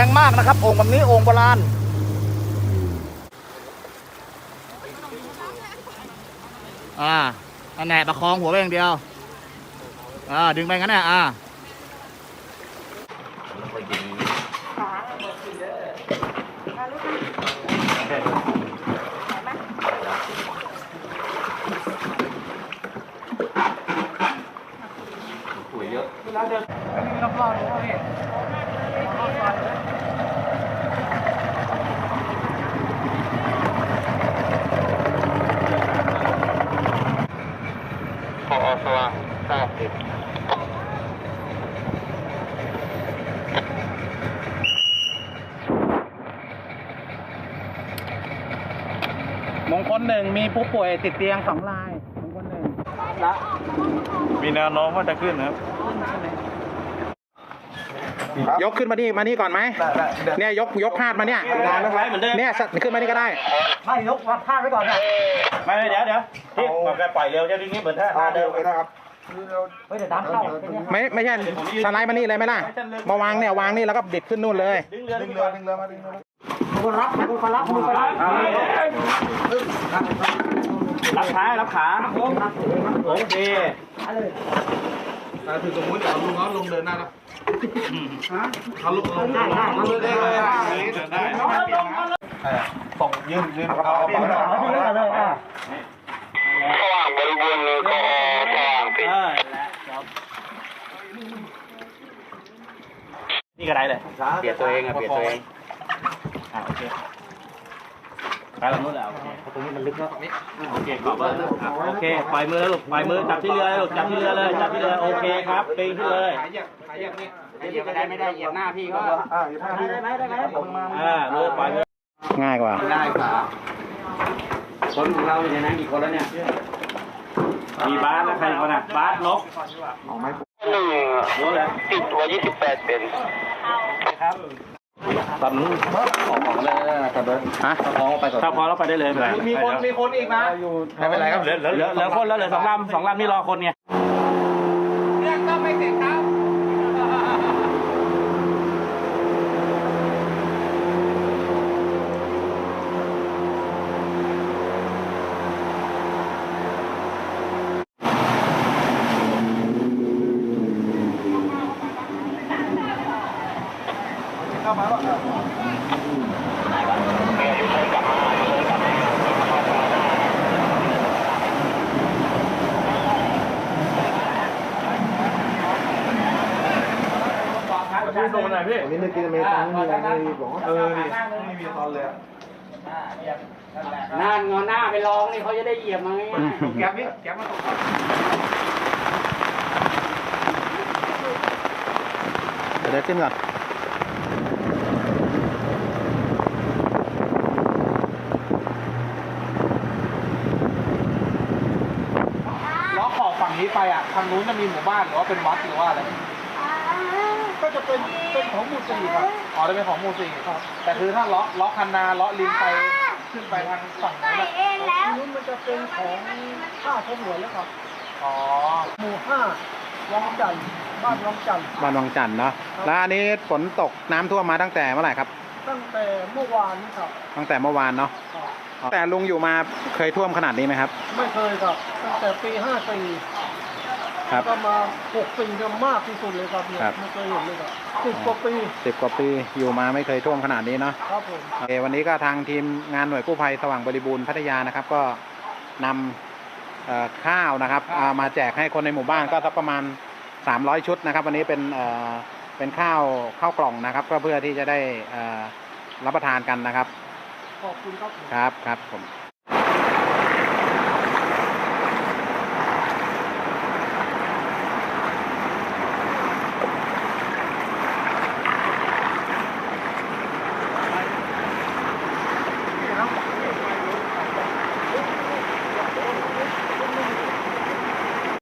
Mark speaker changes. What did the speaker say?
Speaker 1: รงมากนะครับโอ่งแบบนี้โอ่งโบราณอันแหนประคองหัวไปอย่างเดียวดึงไปงั้นเนี่ย
Speaker 2: ปุ๋ยเยอะเวลาเดินมีรอบๆเลยพี่พอสว่าง90
Speaker 1: มงคลหนึ่งมีผู้ป่วยติดเตียง2 รายมงคลหนึ่ง
Speaker 2: มีแนวโน้มว่าจะขึ้นนะครับ
Speaker 1: ยกขึ้นมานี่ก่อนไหมเนี่ยยกพาดมาเนี่ยเนี่ยขึ้นมานี่ก็ได้
Speaker 3: ไม่ยกพาดไว้ก่อนนะ
Speaker 2: ไม่เดี๋ยวพี่มันปล่อยเร็วจะดิ้งนี้เหมือนท่าเดิมเลยนะครับ
Speaker 3: เฮ้ยเดี๋ยวน้ำเข้า
Speaker 1: ไม่ใช่สไลด์มานี่เลยไหมล่ะมาวางเนี่ยวางนี่แล้วก็บิดขึ้นนู่นเลย
Speaker 2: ดึงเรือมาดึงเรือ
Speaker 3: คนรับ
Speaker 2: รับขาโอเคคือสมมติเอาลุงเขาลงเดินหน้านะเขาลุงได้ส่งยืนเอา
Speaker 3: เลย
Speaker 4: สว่างบริบูรณ์เลยก็สว่างปิด
Speaker 2: นี่ก็ได้เลย
Speaker 4: เปลี่ยนตัวเองโอเค
Speaker 2: ไปลงนู้นแล้วตรงนี้มันลึกแล้วโอเคขอบคุณโอเคปล่อยมือแล้วลูกปล่อยมือจับที่เรือลูกจับที่เรือเลยจับที่เรือโอเคครับปีนขึ้นเลย
Speaker 4: เหยียบไม่ได้เหยียบหน้าพี่ก็
Speaker 3: ได้ไหม
Speaker 2: มือปล่อยมือ
Speaker 1: ง่ายกว่า
Speaker 4: คนของเราอยู่ในนั้นกี่คนแล้วเนี่ย
Speaker 2: มีบาสแล้วใครคนน่ะบาสนก
Speaker 4: ติดตัว28เป็น
Speaker 2: ครับตอนนู้นออกเลยตอนนั้นพอไปก่อนถ้าพอแล้วไปได้เลย
Speaker 3: มีคนอีกนะ
Speaker 2: ไม่เป็นไรครับเหลือคนแล้วเหลือ2 ลำนี่รอคนไง
Speaker 3: เรื่องก็ไม่เสร็จครับ
Speaker 2: พี่ส่งมาหน่อยพี่
Speaker 3: นี่ไม่กินเมซอนไม่มีอะไรไม่บอก
Speaker 2: นี่ไม่มีตอนเลย
Speaker 4: หน้างอหน้าไปลองนี่เขาจะได้เหยียบมาไง
Speaker 2: แก๊ปนี่แก๊ปมาตก
Speaker 1: เดี๋ยวขึ้นก่อน
Speaker 3: ล้อขอบฝั่งนี้ไปทางนู้นจะมีหมู่บ้านหรือว่าเป็นวัดหรือว่าอะไรก็จะเป็นของหมู่4ครับจะเป็นของหมู่4ครับแต่คือถ้าล้อคันนาล้อลินไปขึ้นไปทางฝั่งนู้นมันจะเป็นของข้าพหลวงแล้วครับหมู่5วังจันทร์บ้านวังจันทร์
Speaker 1: เนาะแล้วอันนี้ฝนตกน้ำท่วมมาตั้งแต่เมื่อไหร่ครับ
Speaker 3: ตั้งแต่เมื่อวานนี้ครับ
Speaker 1: ตั้งแต่เมื่อวานเนาะแต่ลุงอยู่มาเคยท่วมขนาดนี้ไหมครับ
Speaker 3: ไม่เคยครับตั้งแต่ปี54ก็มา6 ปีก็มากที่สุดเลยครับเนี่ยไม่เคยเห็นเลยครับ10 กว่าปี
Speaker 1: อยู่มาไม่เคยท่วมขนาดนี้เนาะ
Speaker 3: ครับผม
Speaker 1: วันนี้ก็ทางทีมงานหน่วยกู้ภัยสว่างบริบูรณ์พัทยานะครับก็นำข้าวนะครับมาแจกให้คนในหมู่บ้านก็สักประมาณ300 ชุดนะครับวันนี้เป็นข้าวกล่องนะครับก็เพื่อที่จะได้รับประทานกันนะครับ
Speaker 3: ขอบคุณ
Speaker 1: ครับผม